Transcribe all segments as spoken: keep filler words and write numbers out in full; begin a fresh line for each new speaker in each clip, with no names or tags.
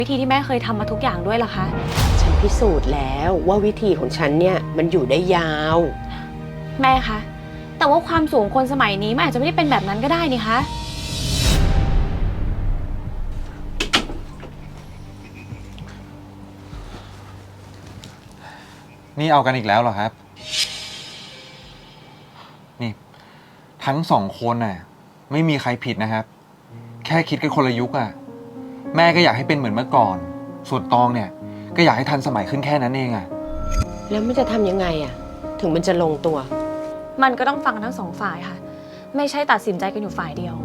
วิธีที่แม่เคยทำมาทุกอย่างด้วยล่ะคะ
ฉันพิสูจน์แล้วว่าวิธีของฉันเนี่ยมันอยู่ได้ยาว
แม่คะแต่ว่าความสูงคนสมัยนี้มันอาจจะไม่ได้เป็นแบบนั้นก็ได้นี่คะ
นี่เอากันอีกแล้วเหรอครับนี่ทั้งสองคนน่ะไม่มีใครผิดนะครับแค่คิดกันคนละยุคอ่ะแม่ก็อยากให้เป็นเหมือนเมื่อก่อนส่วนตองเนี่ยก็อยากให้ทันสมัยขึ้นแค่นั้นเองอ่ะ
แล้วมันจะทำยังไงอ่ะถึงมันจะลงตัว
มันก็ต้องฟังทั้งสองฝ่ายค่ะไม่ใช่ตัดสินใจกันอยู่ฝ่ายเดียว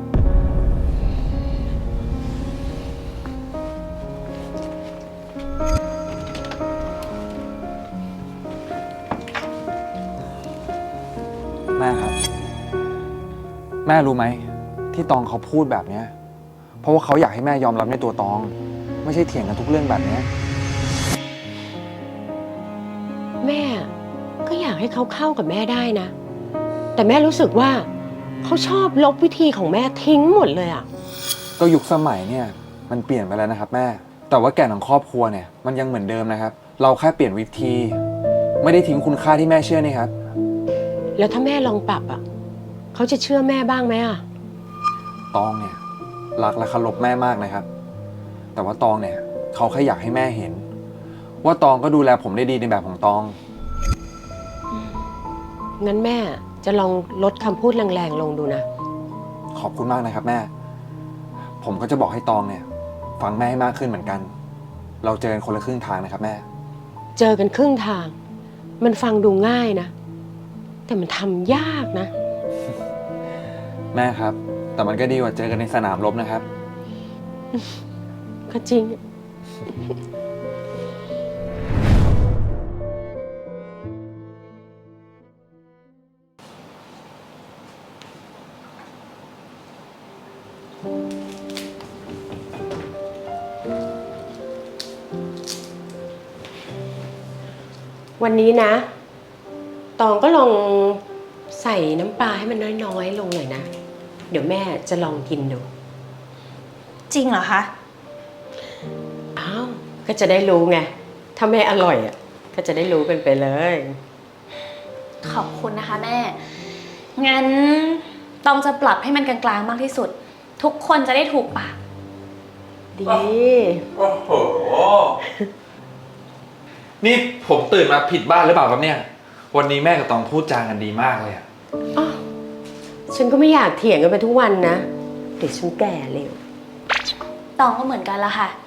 แม่ครับแม่รู้ไหมที่ตองเขาพูดแบบเนี้ยเพราะว่าเขาอยากให้แม่ยอมรับในตัวตองไม่ใช่เถียงกันทุกเรื่องแบบนี้
แม่ก็อยากให้เขาเข้ากับแม่ได้นะแต่แม่รู้สึกว่าเขาชอบลบวิธีของแม่ทิ้งหมดเลยอ่ะ
ก็ยุคสมัยเนี่ยมันเปลี่ยนไปแล้วนะครับแม่แต่ว่าแก่นของครอบครัวเนี่ยมันยังเหมือนเดิมนะครับเราแค่เปลี่ยนวิธีไม่ได้ทิ้งคุณค่าที่แม่เชื่อนี่ครับ
แล้วถ้าแม่ลองปรับอ่ะเขาจะเชื่อแม่บ้างไหมอ่ะ
ตองเนี่ยรักและเคารพแม่มากนะครับแต่ว่าตองเนี่ยเขาแค่อยากให้แม่เห็นว่าตองก็ดูแลผมได้ดีในแบบของตอง
งั้นแม่จะลองลดคำพูดแรงๆลงดูนะ
ขอบคุณมากนะครับแม่ผมก็จะบอกให้ตองเนี่ยฟังแม่ให้มากขึ้นเหมือนกันเราเจอกันคนละครึ่งทางนะครับแม่
เจอกันครึ่งทางมันฟังดูง่ายนะแต่มันทำยากนะ
แม่ครับแต่มันก็ดีกว่าเจอกันในสนามรบนะครับ
ก็จริงวันนี้นะตองก็ลองใส่น้ำปลาให้มันน้อยๆลงหน่อยนะเดี๋ยวแม่จะลองกินดู
จริงเหรอคะ
อ้าวก็จะได้รู้ไงถ้าแม่อร่อยอ่ะก็จะได้รู้เป็นไปเลย
ขอบคุณนะคะแม่งั้นต้องจะปรับให้มันกลางๆมากที่สุดทุกคนจะได้ถูกปาก
ดี
โอ้โหนี่ผมตื่นมาผิดบ้านหรือเปล่าครับเนี่ยวันนี้แม่กับตองพูดจากันดีมากเลยอะ
อ๋อฉันก็ไม่อยากเถียงกันไปทุกวันนะเดี๋ยวฉันแก่เร็ว
ตองก็เหมือนกันละค่ะ